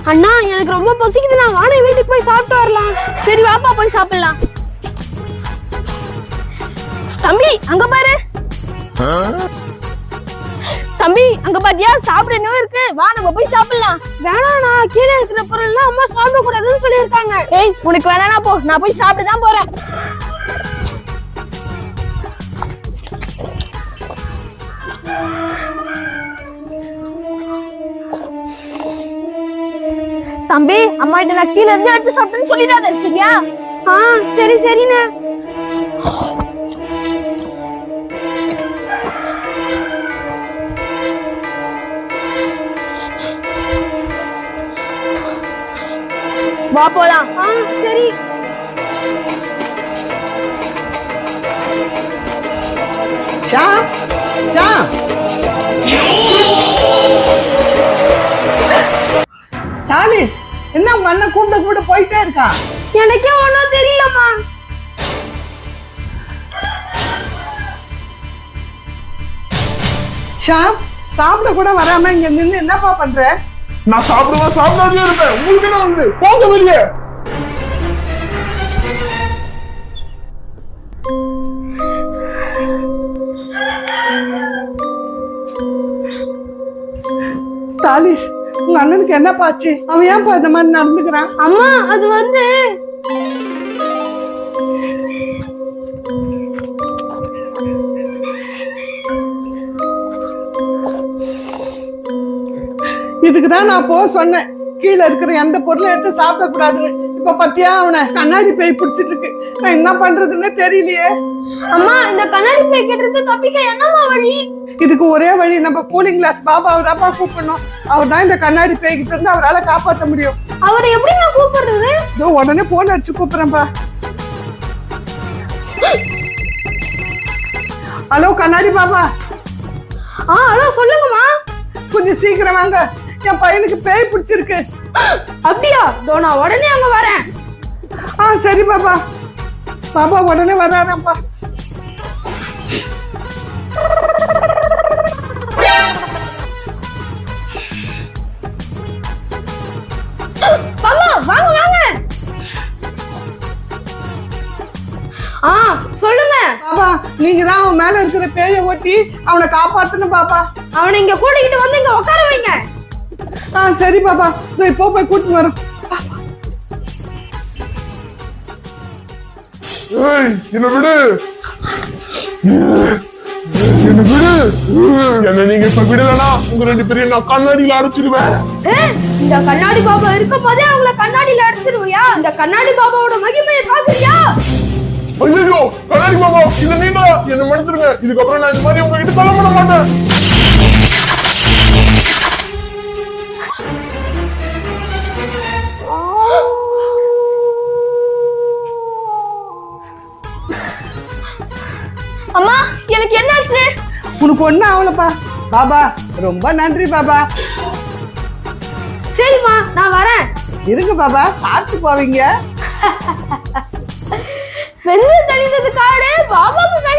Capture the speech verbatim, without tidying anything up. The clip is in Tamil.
அண்ணா எனக்கு ரொம்ப பசிக்குது, நான் வானே வீட்டுக்கு போய் சாப்பிட்டு வரலாம். சரி வாப்பா போய் சாப்பிடலாம். தம்பி அங்க பாரு. தம்பி அங்க பாத்தியா சாப்பிட என்ன இருக்கு, வா நம்ம போய் சாப்பிடலாம். வேணாண்ணா, கீழே இருக்கிற பொருள்லாம் அம்மா சாப்பிட கூடாதுன்னு சொல்லியிருக்காங்க. ஏய் உனக்கு வேணானா போ, நான் போய் சாப்பிட்டு தான் போறேன். தம்பி அம்மா கிட்ட நான் கீழே இருந்து எடுத்து சாப்பிட்டேன்னு சொல்லிடாத சரியா? ஆ சரி சரிண்ணே. வா போலாம். ஆ சரி. ஷா ஷா சாலிஸ், என்ன உங்க அண்ணன் கூப்பிட கூப்பிட போயிட்டே இருக்கான்? எனக்கே ஒன்னும் தெரியலம்மா. ஷா சாப்பிட கூட வராம இங்க நின்னு என்னப்பா பண்ற? நான் சாப்பிடுவேன் சாப்பிடாதே இருப்பேன், உங்களுக்கு என்ன வந்து போங்க வெளியே. தாலிஸ், உங்க அண்ணனுக்கு என்ன பாச்சு? அவன் ஏன்பா இந்த மாதிரி நடந்துக்கிறான்? அம்மா அது வந்து இதுக்குதான் நான் போ சொன்னேன், கீழே இருக்கிற எந்த பொருளை எடுத்து சாப்பிட கூடாதுன்னு. இப்ப பத்தியா அவனை கண்ணாடி பேய் பிடிச்சிட்டு இருக்கு. நான் என்ன பண்றதுன்னு தெரியலையே. அம்மா இந்த கண்ணாடி பேய் கிட்ட தப்பிக்க என்னம்மா வழி? இதுக்கு ஒரே வழி, நம்ம கூலிங் கிளாஸ் பாபாவை தான்ப்பா கூப்பிடணும். அவர் தான் இந்த கண்ணாடி பேய்கிட்ட இருந்து அவரால் காப்பாற்ற முடியும். அவரை எப்படி நான் கூப்பிடுறது? இதோ உடனே போன் அடிச்சு கூப்பிடுறேன்ப்பா. ஹலோ கண்ணாடி பாபா. ஆ ஹலோ சொல்லுங்கம்மா. கொஞ்சம் சீக்கிரம் வாங்க, என் பையனுக்கு பேய் பிடிச்சிருக்கு. அப்படியா? தோ நான் உடனே அங்க வரேன். ஆ சரி பாபா. பாபா உடனே வர்றாராப்பா. பாபா வாங்க வாங்க. ஆ சொல்லுங்க. பாபா நீங்க தான் அவன் மேல இருக்கிற பேயை ஓட்டி அவனை காப்பாத்தணும் பாபா. அவனை இங்க கூட்டிக்கிட்டு வந்து இங்க உட்கார வைங்க. ஆ சரி பாபா, நான் இப்போ போய் கூட்டிட்டு வரோம். ஏய் என்ன விடு, என்ன விடு. என்ன நீங்க இப்ப விடலனா உங்க ரெண்டு பேரையும் நான் கண்ணாடியில அடைச்சிடுவேன். இந்த கண்ணாடி பாபா இருக்கும் போதே அவங்கள கண்ணாடியில அடைச்சிடுவியா? இந்த கண்ணாடி பாபாவோட மகிமையை பாக்குறியா? ஐயோ கண்ணாடி பாபா, இந்த நீங்க என்ன மன்னிச்சிருங்க. இதுக்கப்புறம் நான் இந்த மாதிரி உங்ககிட்ட சொல்ல பண்ண மாட்டேன். அம்மா எனக்கு என்னாச்சு? உனக்கு ஒண்ணு ஆகலப்பா. பாபா ரொம்ப நன்றி பாபா. சரிம்மா நான் வரேன். இருங்க பாபா, சாப்பிட்டு போவீங்க. வெந்து தணிந்தது காடு பாபாவுக்கு